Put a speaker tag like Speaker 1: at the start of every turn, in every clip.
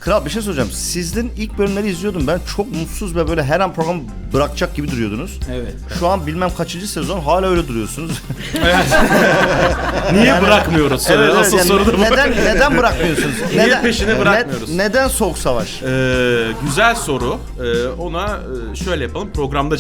Speaker 1: Kral bir şey soracağım. Sizin ilk bölümleri izliyordum ben. Çok mutsuz ve böyle her an program bırakacak gibi duruyordunuz.
Speaker 2: Evet.
Speaker 1: Şu an bilmem kaçıncı sezon hala öyle duruyorsunuz.
Speaker 3: Niye bırakmıyoruz?
Speaker 1: Evet,
Speaker 3: Asıl
Speaker 1: yani
Speaker 3: soru da bu.
Speaker 1: neden bırakmıyorsunuz?
Speaker 3: Niye peşini bırakmıyoruz?
Speaker 1: Neden Soğuk Savaş?
Speaker 3: Güzel soru. Ona şöyle yapalım. Programda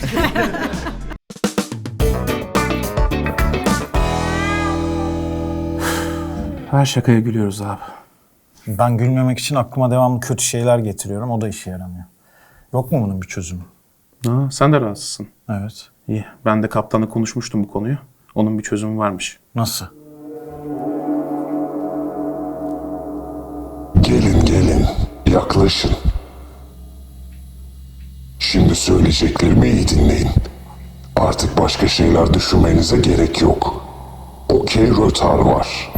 Speaker 2: Her şakaya gülüyoruz abi.
Speaker 4: Ben gülmemek için aklıma devamlı kötü şeyler getiriyorum. O da işe yaramıyor. Yok mu bunun bir çözümü?
Speaker 3: Ha, sen de rahatsızsın.
Speaker 4: Evet.
Speaker 3: İyi. Ben de kaptanla konuşmuştum bu konuyu. Onun bir çözümü varmış.
Speaker 4: Nasıl?
Speaker 5: Gelin, yaklaşın. Şimdi söyleyeceklerimi iyi dinleyin. Artık başka şeyler düşünmenize gerek yok. Okey rötar var.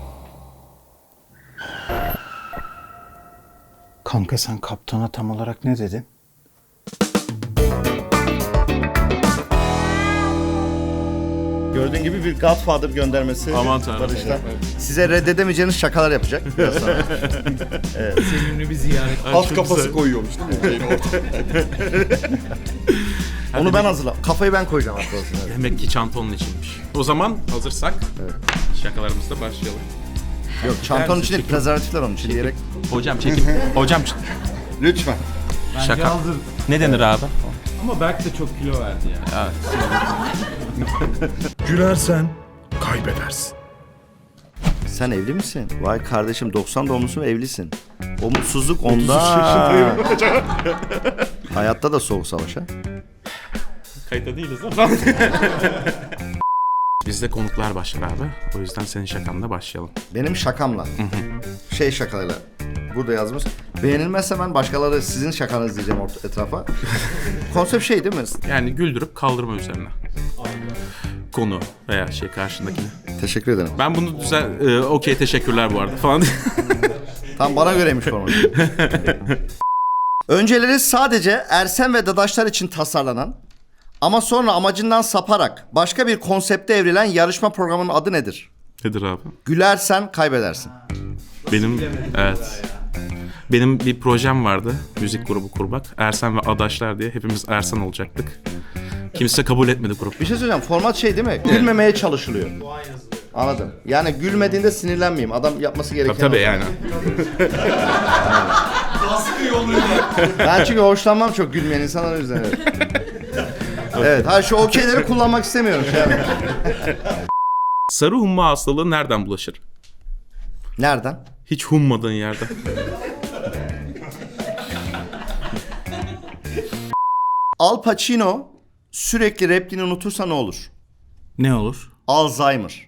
Speaker 4: Kanka sen kaptana tam olarak ne dedin?
Speaker 1: Gördüğün gibi bir Godfather göndermesi.
Speaker 3: Aman tanrım.
Speaker 1: Barış'tan. Size reddedemeyeceğiniz şakalar yapacak biraz sonra.
Speaker 2: Sevimli bir ziyaret.
Speaker 6: Alt kafası koyuyormuş değil mi?
Speaker 1: Onu ben hazırlam. Kafayı ben koyacağım aslında.
Speaker 3: Demek ki çanta onun içinmiş. O zaman hazırsak şakalarımızla başlayalım.
Speaker 1: Yok çantanın içinde prezervatifler onun için diyerek.
Speaker 3: Hocam çekin. Hocam
Speaker 1: Lütfen.
Speaker 3: şaka. Ne denir abi?
Speaker 2: Ama Berk de çok kilo verdi yani.
Speaker 6: Gülersen kaybedersin.
Speaker 1: Sen evli misin? Vay kardeşim 90 doğumlusun ve evlisin. O mutsuzluk onda. Hayatta da Soğuk Savaş ha.
Speaker 3: Kayıtta değiliz ama. Bizde konuklar başlar abi. O yüzden senin şakanla başlayalım.
Speaker 1: Benim şakamla. Şey şakalarıyla. Burada yazmış. Beğenilmezse ben başkaları sizin şakanız diyeceğim etrafa. Konsept şey değil mi?
Speaker 3: Yani güldürüp kaldırma üzerine. Konu veya karşındakini.
Speaker 1: Teşekkür ederim.
Speaker 3: Ben bunu okey teşekkürler bu arada falan.
Speaker 1: Tam bana göreymiş format. Önceleri sadece Ersen ve Dadaşlar için tasarlanan ama sonra amacından saparak başka bir konsepte evrilen yarışma programının adı nedir?
Speaker 3: Nedir abi?
Speaker 1: Gülersen kaybedersin.
Speaker 3: Evet. Benim bir projem vardı. Müzik grubu kurmak. Ersen ve Adaşlar diye. Hepimiz Ersen olacaktık. Kimse kabul etmedi grup.
Speaker 1: Bir şey söyleyeceğim. Format şey değil mi? Gülmemeye çalışılıyor. Anladım. Yani gülmediğinde sinirlenmeyeyim. Adam yapması gereken
Speaker 3: Tabii
Speaker 1: o.
Speaker 3: yani.
Speaker 1: Ben çünkü hoşlanmam çok gülmeyen insanlar o yüzden. Evet. Evet. Ha şu okeyleri kullanmak istemiyorum.
Speaker 3: Sarı humma hastalığı nereden bulaşır?
Speaker 1: Nereden?
Speaker 3: Hiç hummadığın yerden.
Speaker 1: Al Pacino sürekli repliğini unutursa ne olur?
Speaker 4: Ne olur?
Speaker 1: Alzheimer.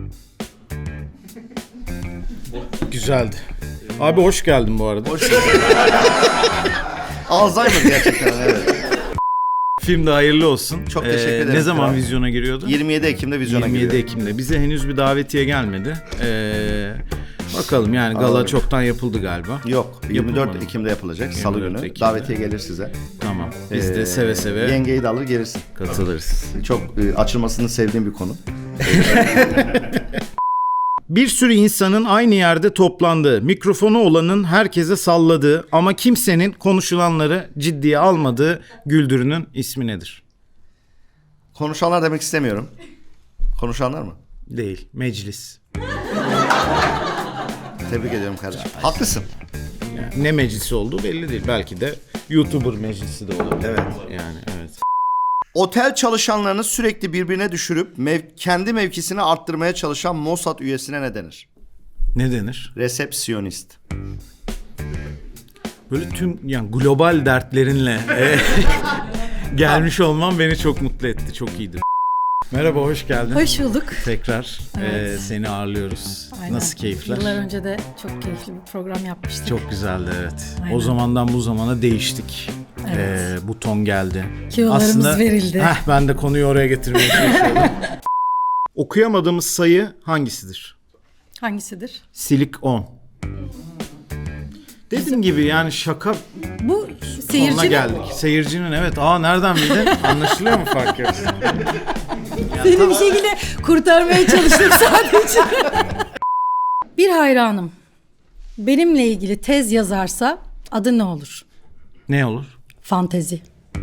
Speaker 4: Güzeldi. Abi hoş geldin bu arada.
Speaker 1: Alzheimer gerçekten evet.
Speaker 4: Film de hayırlı olsun.
Speaker 1: Çok teşekkür ederim.
Speaker 4: Ne zaman
Speaker 1: Kral.
Speaker 4: vizyona giriyordu?
Speaker 1: 27 Ekim'de vizyona
Speaker 4: 27
Speaker 1: giriyor.
Speaker 4: Ekim'de. Bize henüz bir davetiye gelmedi. Bakalım yani gala
Speaker 1: Alalım.
Speaker 4: çoktan yapıldı galiba.
Speaker 1: Yok 24
Speaker 4: Yapılmadı mı?
Speaker 1: Ekim'de yapılacak. Salı
Speaker 4: 24
Speaker 1: günü.
Speaker 4: Ekim'de.
Speaker 1: Davetiye gelir size.
Speaker 4: Tamam. Biz de seve seve
Speaker 1: Yengeyi de alır gelirsin.
Speaker 4: katılırız.
Speaker 1: Çok açılmasını sevdiğim bir konu.
Speaker 4: Bir sürü insanın aynı yerde toplandığı, mikrofonu olanın herkese salladığı ama kimsenin konuşulanları ciddiye almadığı güldürünün ismi nedir?
Speaker 1: Konuşanlar demek istemiyorum. Konuşanlar mı?
Speaker 4: Değil, meclis.
Speaker 1: Tebrik ediyorum kardeşim. Haklısın.
Speaker 4: Yani ne meclisi olduğu belli değil. Belki de YouTuber meclisi de olabilir.
Speaker 1: Evet.
Speaker 4: Yani evet.
Speaker 1: Otel çalışanlarını sürekli birbirine düşürüp kendi mevkisini arttırmaya çalışan Mossad üyesine ne denir?
Speaker 4: Ne denir?
Speaker 1: Resepsiyonist.
Speaker 4: Böyle tüm yani global dertlerinle gelmiş olman beni çok mutlu etti. Çok iyiydi. Merhaba, hoş geldin.
Speaker 7: Hoş bulduk.
Speaker 4: Tekrar
Speaker 7: Evet.
Speaker 4: seni ağırlıyoruz.
Speaker 7: Aynen.
Speaker 4: Nasıl keyifler?
Speaker 7: Yıllar önce de çok keyifli bir program yapmıştık.
Speaker 4: Çok güzeldi, evet.
Speaker 7: Aynen.
Speaker 4: O zamandan bu zamana değiştik.
Speaker 7: Evet.
Speaker 4: Buton geldi.
Speaker 7: Kilolarımız verildi.
Speaker 4: Ben de konuyu oraya getirmeye çalışıyorum. Okuyamadığımız sayı hangisidir?
Speaker 7: Hangisidir?
Speaker 4: Silik 10. Dediğim gibi yani şaka
Speaker 7: Bu
Speaker 4: sonuna
Speaker 7: seyircinin
Speaker 4: geldik. Seyircinin evet. Nereden bildin? Anlaşılıyor mu fark yok?
Speaker 7: seni bir şekilde kurtarmaya çalıştım sadece. Bir hayranım benimle ilgili tez yazarsa adı ne olur?
Speaker 4: Ne olur?
Speaker 7: Fantezi.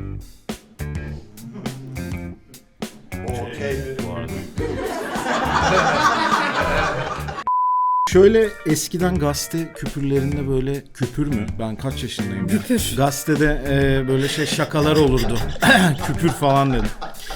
Speaker 4: Şöyle eskiden gazete küpürlerinde böyle küpür mü? Ben kaç yaşındayım ya?
Speaker 7: Küpür.
Speaker 4: Gazetede böyle şakalar olurdu. Küpür falan dedim.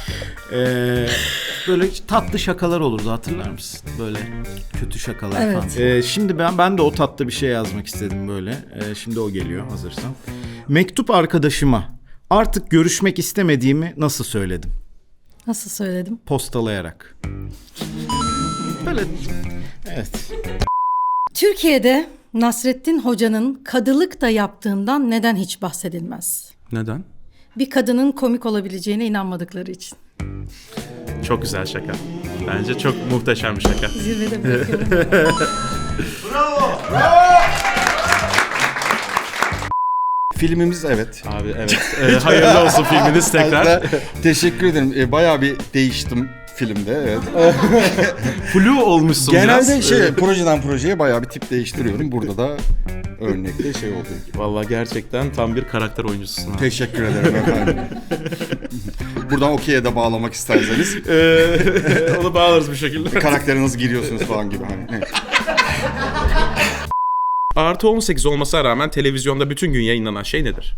Speaker 4: Böyle tatlı şakalar olurdu, hatırlar mısın? Böyle kötü şakalar
Speaker 7: Evet.
Speaker 4: falan. Şimdi ben de o tatlı bir şey yazmak istedim böyle. Şimdi o geliyor hazırsan. Mektup arkadaşıma artık görüşmek istemediğimi nasıl söyledim?
Speaker 7: Nasıl söyledim?
Speaker 4: Postalayarak. Böyle evet.
Speaker 7: Türkiye'de Nasrettin Hoca'nın kadılık da yaptığından neden hiç bahsedilmez?
Speaker 3: Neden?
Speaker 7: Bir kadının komik olabileceğine inanmadıkları için.
Speaker 3: Çok güzel şaka. Bence çok muhteşem bir şaka.
Speaker 7: Zirvede bırakıyorum.
Speaker 8: Filmimiz evet.
Speaker 3: Abi evet. Hayırlı olsun filminiz tekrar.
Speaker 8: Hatta teşekkür ederim. Bayağı bir değiştim filmde. Evet.
Speaker 3: Flu olmuşsun biraz.
Speaker 8: Genelde projeden projeye bayağı bir tip değiştiriyorum. Burada da örnekte şey oldu.
Speaker 3: Vallahi gerçekten tam bir karakter oyuncususun. Abi.
Speaker 8: Teşekkür ederim efendim. Buradan okey'e de bağlamak isterseniz.
Speaker 3: Onu bağlarız bir şekilde.
Speaker 8: Karaktere nasıl giriyorsunuz falan gibi. Hani. Evet.
Speaker 3: Artı 18 olmasına rağmen televizyonda bütün gün yayınlanan şey nedir?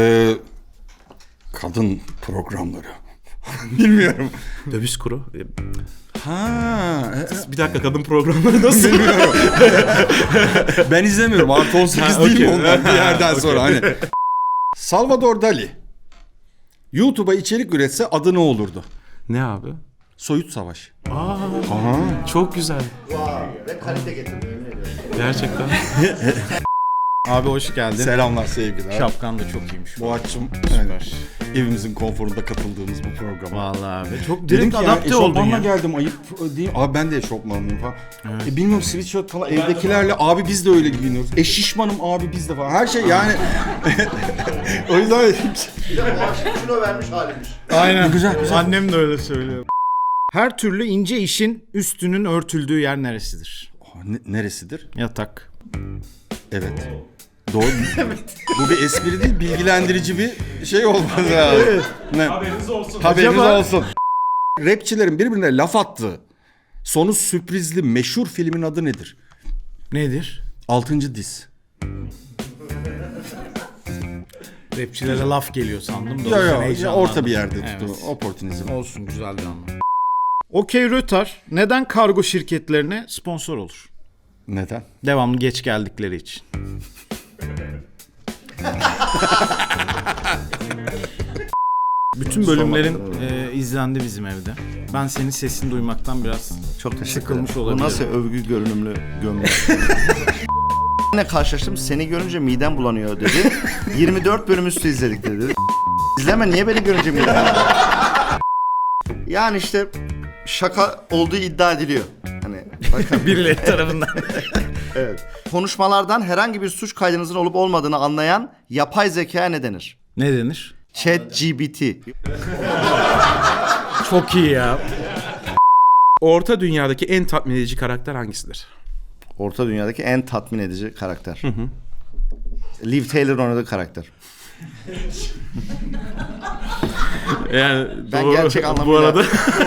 Speaker 8: Kadın programları. Bilmiyorum.
Speaker 3: Döviz kuru.
Speaker 8: Ha,
Speaker 3: Bir dakika, kadın programları nasıl?
Speaker 8: bilmiyorum. Ben izlemiyorum. Artı 18 değil mi onlar bir yerden sonra hani. Salvador Dali YouTube'a içerik üretse adı ne olurdu?
Speaker 3: Ne abi?
Speaker 8: Soyut Savaş.
Speaker 3: Çok güzel.
Speaker 1: Ve kalite getirdim.
Speaker 3: Gerçekten.
Speaker 4: Abi hoş geldin.
Speaker 8: Selamlar, sevgiler.
Speaker 4: Şapkan da çok iyiymiş.
Speaker 8: Boğaç'cığım, evet, evimizin konforunda katıldığımız bu programa.
Speaker 4: Vallahi abi. Çok
Speaker 8: Dedim
Speaker 4: direkt
Speaker 8: ki ya,
Speaker 4: adapte oldun
Speaker 8: eşofmanla
Speaker 4: ya.
Speaker 8: geldim, ayıp değil. Abi ben de eşofmanlıyım falan. Bilmiyorum, sweatshirt falan evdekilerle abi biz de öyle giyiniyoruz. Şişmanım abi biz de falan. Her şey yani. O yüzden
Speaker 1: Bir de bu akşam kilo vermiş halimiz.
Speaker 4: Aynen. Güzel. Annem de öyle söylüyor. Her türlü ince işin üstünün örtüldüğü yer neresidir?
Speaker 8: neresidir?
Speaker 4: Yatak.
Speaker 8: Evet. Doğru. Bu bir espri değil, bilgilendirici bir şey olmaz ya. Ne? Haberiniz olsun. Haberiniz olsun. Rapçilerin birbirine laf attığı, sonu sürprizli meşhur filmin adı nedir?
Speaker 4: Nedir?
Speaker 8: 6. Diz.
Speaker 4: Rapçilere laf geliyor sandım da. o
Speaker 8: Ya
Speaker 4: yüzden
Speaker 8: ya,
Speaker 4: heyecanlandım.
Speaker 8: orta bir yerde
Speaker 4: Evet.
Speaker 8: tuttu. Oportunizm.
Speaker 4: Olsun, güzel bir anlam. Okey Rötar neden kargo şirketlerine sponsor olur?
Speaker 8: Neden?
Speaker 4: Devamlı geç geldikleri için. Bütün bölümlerin izlendi bizim evde. Ben senin sesini duymaktan biraz
Speaker 1: Çok teşekkür
Speaker 4: sıkılmış
Speaker 1: ederim. Bu
Speaker 4: olabilirim.
Speaker 1: nasıl övgü görünümlü gömlek? Ne karşılaştım, seni görünce midem bulanıyor dedi. 24 bölüm üstü izledik dedi. İzleme, niye beni görünce midem bulanıyor? Yani işte şaka olduğu iddia ediliyor. Hani bakın.
Speaker 4: Birileri tarafından.
Speaker 1: Evet. Konuşmalardan herhangi bir suç kaydınızın olup olmadığını anlayan yapay zekaya ne denir?
Speaker 4: Ne denir?
Speaker 1: ChatGPT.
Speaker 4: Çok iyi ya.
Speaker 3: Orta dünyadaki en tatmin edici karakter hangisidir?
Speaker 1: Orta dünyadaki en tatmin edici karakter. Liv Taylor'ın oynadığı karakter.
Speaker 3: Yani
Speaker 1: Ben
Speaker 3: doğru.
Speaker 1: gerçek
Speaker 3: Bu
Speaker 1: anlamıyla-
Speaker 3: arada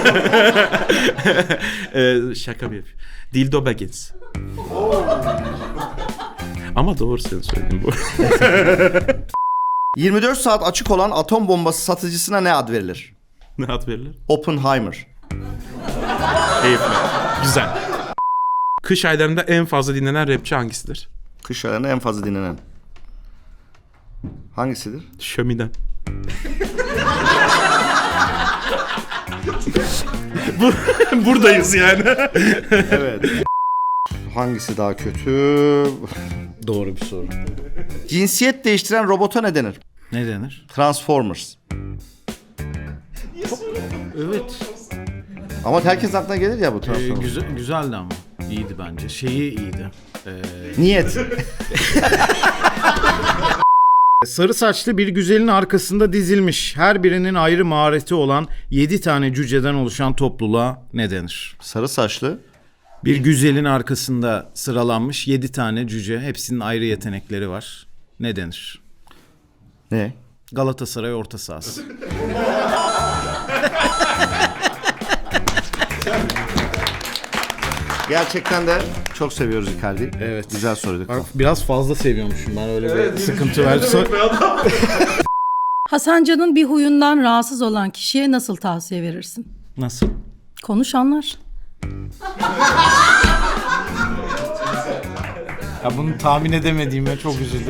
Speaker 3: şaka bir yapayım. Dildo Baggins. Ama doğru senin söylediğin bu.
Speaker 1: 24 saat açık olan atom bombası satıcısına ne ad verilir?
Speaker 3: Ne ad verilir?
Speaker 1: Oppenheimer.
Speaker 3: Keyifli. Güzel. Kış aylarında en fazla dinlenen rapçi hangisidir?
Speaker 1: Kış aylarında en fazla dinlenen. Hangisidir?
Speaker 3: Şöminen. Buradayız yani.
Speaker 1: Evet. Hangisi daha kötü?
Speaker 4: Doğru bir soru.
Speaker 1: Cinsiyet değiştiren robota ne denir?
Speaker 4: Ne denir?
Speaker 1: Transformers.
Speaker 4: Evet.
Speaker 1: Ama herkes aklına gelir ya bu Transformers.
Speaker 4: Güzeldi ama. İyiydi bence. Şeyi iyiydi.
Speaker 1: Niyet.
Speaker 4: Sarı saçlı bir güzelin arkasında dizilmiş, her birinin ayrı mahareti olan 7 tane cüceden oluşan topluluğa ne denir?
Speaker 1: Sarı saçlı.
Speaker 4: Bir güzelin arkasında sıralanmış 7 tane cüce. Hepsinin ayrı yetenekleri var. Ne denir?
Speaker 1: Ne?
Speaker 4: Galatasaray orta sahası.
Speaker 1: Gerçekten de çok seviyoruz Icardi'yi.
Speaker 4: Evet.
Speaker 1: Güzel soruydu.
Speaker 4: Biraz fazla seviyormuşum ben, öyle bir sıkıntı var.
Speaker 7: Hasan Can'ın bir huyundan rahatsız olan kişiye nasıl tavsiye verirsin?
Speaker 4: Nasıl?
Speaker 7: Konuş anlar.
Speaker 4: Ya bunu tahmin edemediğime çok üzüldüm.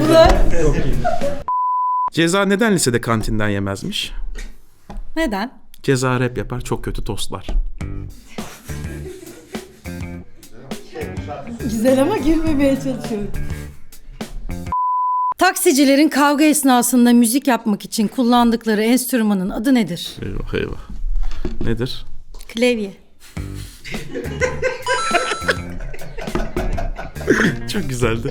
Speaker 3: Ceza neden lisede kantinden yemezmiş?
Speaker 7: Neden?
Speaker 3: Ceza rap yapar, çok kötü tostlar.
Speaker 7: Güzel ama gülmemeye çalışıyorum. Taksicilerin kavga esnasında müzik yapmak için kullandıkları enstrümanın adı nedir?
Speaker 3: Eyvah eyvah. Nedir?
Speaker 7: Klavye.
Speaker 3: Çok güzeldi.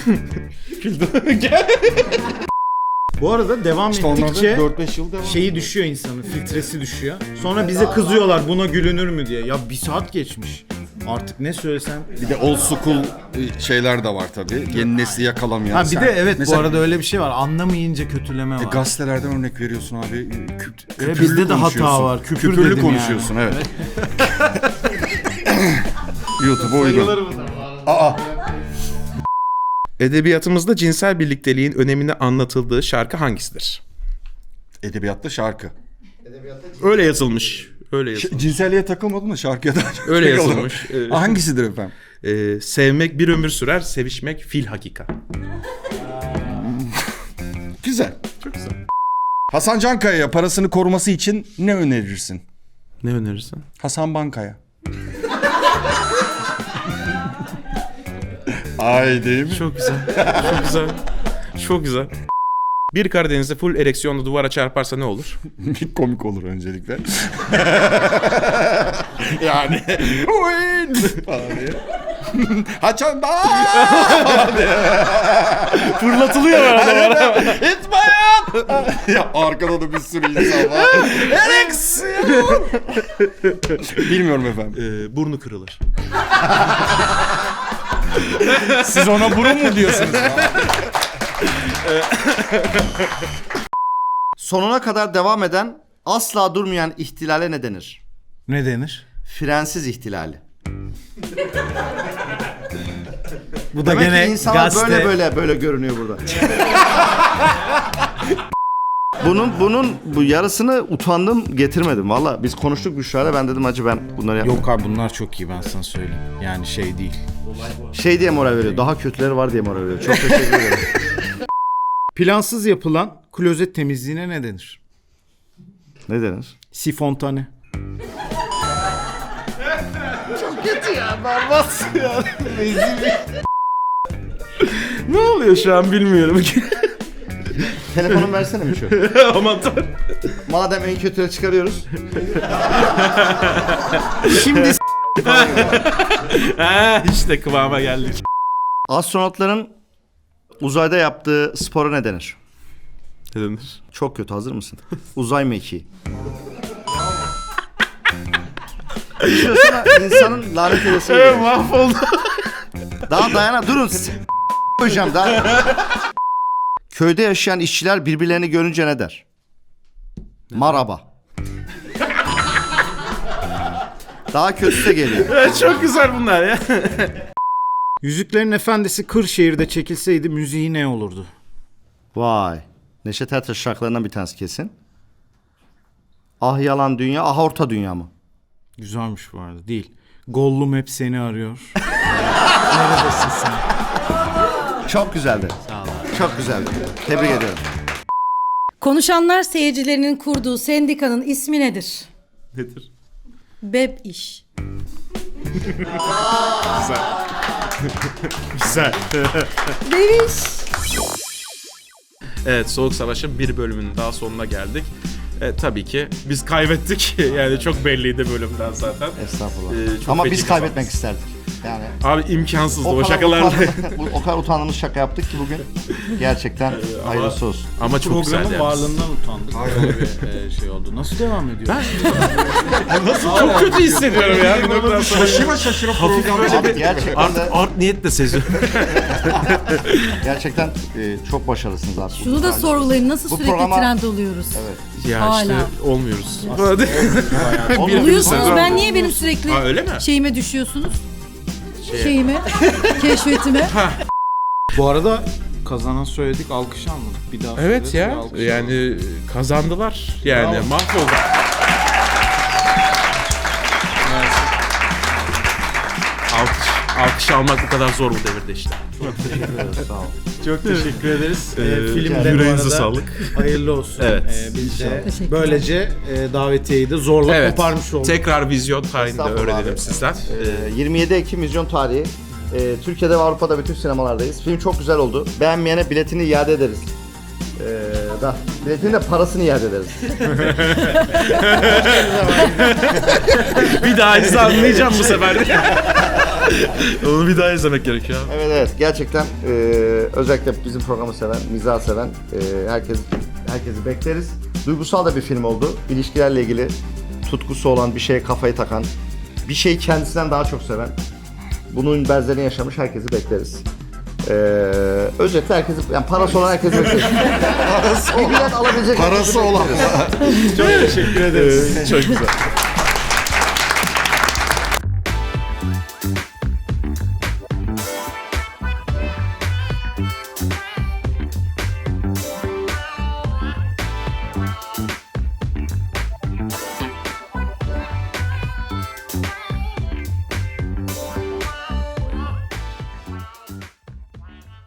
Speaker 4: Bu arada devam
Speaker 8: Onlarda
Speaker 4: ettikçe
Speaker 8: 4-5 yıl devam.
Speaker 4: şeyi düşüyor insanın, filtresi düşüyor. Sonra bize kızıyorlar buna gülünür mü diye. Ya bir saat geçmiş. Artık ne söylesem.
Speaker 8: Bir de old school şeyler de var tabii. Yeni nesli yakalamayan.
Speaker 4: Ha bir de evet
Speaker 8: Mesela,
Speaker 4: bu arada öyle bir şey var. Anlamayınca kötüleme var.
Speaker 8: gazetelerden örnek veriyorsun abi. Küpürlü
Speaker 4: bizde de hata
Speaker 8: konuşuyorsun.
Speaker 4: var. Küfür
Speaker 8: Küpürlü
Speaker 4: dedim
Speaker 8: konuşuyorsun evet. YouTube'a uygun.
Speaker 3: Edebiyatımızda cinsel birlikteliğin önemini anlatıldığı şarkı hangisidir?
Speaker 8: Edebiyatta şarkı.
Speaker 3: Öyle yazılmış. Öyle yazılmış.
Speaker 8: Cinselliğe takılmadın mı şarkıya daha çok
Speaker 3: Öyle
Speaker 8: takıldım.
Speaker 3: yazılmış.
Speaker 8: Hangisidir efendim?
Speaker 3: Sevmek bir ömür sürer, sevişmek fil hakika.
Speaker 8: Güzel. Çok güzel. Hasan Cankaya'ya parasını koruması için ne önerirsin?
Speaker 3: Ne önerirsin?
Speaker 8: Hasan Bankaya. Ay değil mi?
Speaker 3: Çok güzel. Çok güzel. Çok güzel. Bir Karadeniz'de full ereksiyonlu duvara çarparsa ne olur?
Speaker 8: Komik olur öncelikle. Yani. Falan diye. Haçan da.
Speaker 3: Fırlatılıyor arada.
Speaker 8: İtmayan. Ya arkada da bir sürü insan var. Ereksiyon. Bilmiyorum efendim.
Speaker 3: Burnu kırılır.
Speaker 4: Siz ona burun mu diyorsunuz?
Speaker 1: Sonuna kadar devam eden, asla durmayan ihtilale ne denir?
Speaker 4: Ne denir?
Speaker 1: Frensiz ihtilali.
Speaker 4: Bu da
Speaker 1: Demek
Speaker 4: gene
Speaker 1: ki insanlar
Speaker 4: gazete.
Speaker 1: böyle görünüyor burada. Bu yarısını utandım getirmedim. Valla biz konuştuk Büşra'yla, ben dedim acı ben bunları yapmam.
Speaker 4: Yok abi bunlar çok iyi, ben sana söyleyeyim. Yani şey değil.
Speaker 1: Şey diye moral veriyor. Daha kötüleri var diye moral veriyor. Çok teşekkür ederim.
Speaker 4: Plansız yapılan klozet temizliğine ne denir?
Speaker 1: Ne denir?
Speaker 4: Sifontane.
Speaker 3: Ne oluyor şu an bilmiyorum ki.
Speaker 1: Telefonumu versene mi şu?
Speaker 3: Aman tanrım.
Speaker 1: Madem en kötüleri çıkarıyoruz. Şimdi
Speaker 3: İşte kıvama geldik.
Speaker 1: astronotların uzayda yaptığı spora ne denir?
Speaker 3: Ne denir?
Speaker 1: Çok kötü, hazır mısın? Uzay mekiği. Düşünsene insanın lanet edesi.
Speaker 3: Mahvoldu.
Speaker 1: Daha dayana durun. Hocam daha. Köyde yaşayan işçiler birbirlerini görünce ne der? Maraba. Daha kötüsü de geliyor.
Speaker 3: Çok güzel bunlar ya.
Speaker 4: Yüzüklerin Efendisi Kırşehir'de çekilseydi müziği ne olurdu?
Speaker 1: Vay. Neşet Ertaş şarkılarından bir tanesi kesin. Ah yalan dünya, ah orta dünya mı?
Speaker 4: Güzelmiş bu arada. Değil. Gollum hep seni arıyor. Neredesin sen?
Speaker 1: Çok güzeldi.
Speaker 4: Sağ ol.
Speaker 1: Çok güzeldi. Tebrik ediyorum.
Speaker 7: Konuşanlar seyircilerinin kurduğu sendikanın ismi nedir?
Speaker 3: Nedir?
Speaker 7: Beb iş.
Speaker 4: Güzel.
Speaker 7: Bebiş.
Speaker 3: Evet, Soğuk Savaş'ın bir bölümünün daha sonuna geldik. Tabii ki biz kaybettik. Yani çok belliydi bölümden zaten.
Speaker 1: Estağfurullah.
Speaker 3: Çok
Speaker 1: Ama
Speaker 3: feci
Speaker 1: biz kaybetmek
Speaker 3: kazandık.
Speaker 1: isterdik. Yani
Speaker 3: Abi imkansızdı o
Speaker 1: kadar
Speaker 3: şakalarla.
Speaker 1: o kadar utandığımız şaka yaptık ki bugün. Gerçekten hayırlısı olsun.
Speaker 3: Ama çok güzeldi
Speaker 4: Programın
Speaker 3: yani.
Speaker 4: varlığından utandık. Böyle bir şey oldu. Nasıl devam ediyor?
Speaker 3: Çok kötü hissediyorum ya. Bir noktadan sonra.
Speaker 8: Şaşıra program.
Speaker 1: Abi gerçekten de
Speaker 3: Art niyet de seziyorum.
Speaker 1: gerçekten çok başarılısınız abi.
Speaker 7: Şunu da sorgulayın. Nasıl
Speaker 1: Bu
Speaker 7: sürekli
Speaker 1: programa-
Speaker 7: trend oluyoruz?
Speaker 3: Ya
Speaker 7: Hala.
Speaker 3: işte olmuyoruz.
Speaker 7: Oluyorsunuz. Ben niye benim sürekli
Speaker 3: Ha, öyle mi?
Speaker 7: şeyime düşüyorsunuz? Şeyime, keşfetime.
Speaker 4: Bu arada kazanan söyledik, alkış almadık. Bir daha
Speaker 3: Evet
Speaker 4: söyledik,
Speaker 3: ya.
Speaker 4: bir alkış
Speaker 3: Yani kazandılar. Yani
Speaker 4: Bravo.
Speaker 3: mahvoldu. Alkış almak bu kadar zor bu devirde işte.
Speaker 1: Sağ ol.
Speaker 4: Çok teşekkür ederiz. Film de bu
Speaker 3: yüreğinize
Speaker 4: arada
Speaker 3: sağlık.
Speaker 4: hayırlı olsun.
Speaker 3: Evet.
Speaker 4: Biz de
Speaker 7: Teşekkürler.
Speaker 4: böylece davetiyeyi de zorla
Speaker 3: Evet.
Speaker 4: koparmış olduk.
Speaker 3: Tekrar vizyon tarihinde
Speaker 1: Estağfurullah
Speaker 3: öğrenelim
Speaker 1: abi.
Speaker 3: sizden.
Speaker 1: 27 Ekim vizyon tarihi. Türkiye'de ve Avrupa'da bütün sinemalardayız. Film çok güzel oldu. Beğenmeyene biletini iade ederiz. Biletinin de parasını iade ederiz.
Speaker 3: Bir daha izle anlayacağım bu sefer. Onu bir daha izlemek gerekiyor abi.
Speaker 1: Evet gerçekten özellikle bizim programı seven, mizah seven herkesi bekleriz. Duygusal da bir film oldu. İlişkilerle ilgili tutkusu olan, bir şeye kafayı takan, bir şeyi kendisinden daha çok seven, bunun benzerini yaşamış herkesi bekleriz. Özetle herkesi, yani parası olan herkesi bekleriz. Bir bilet alabilecek
Speaker 8: Parası olan.
Speaker 1: Çok teşekkür ederiz.
Speaker 3: Çok güzel.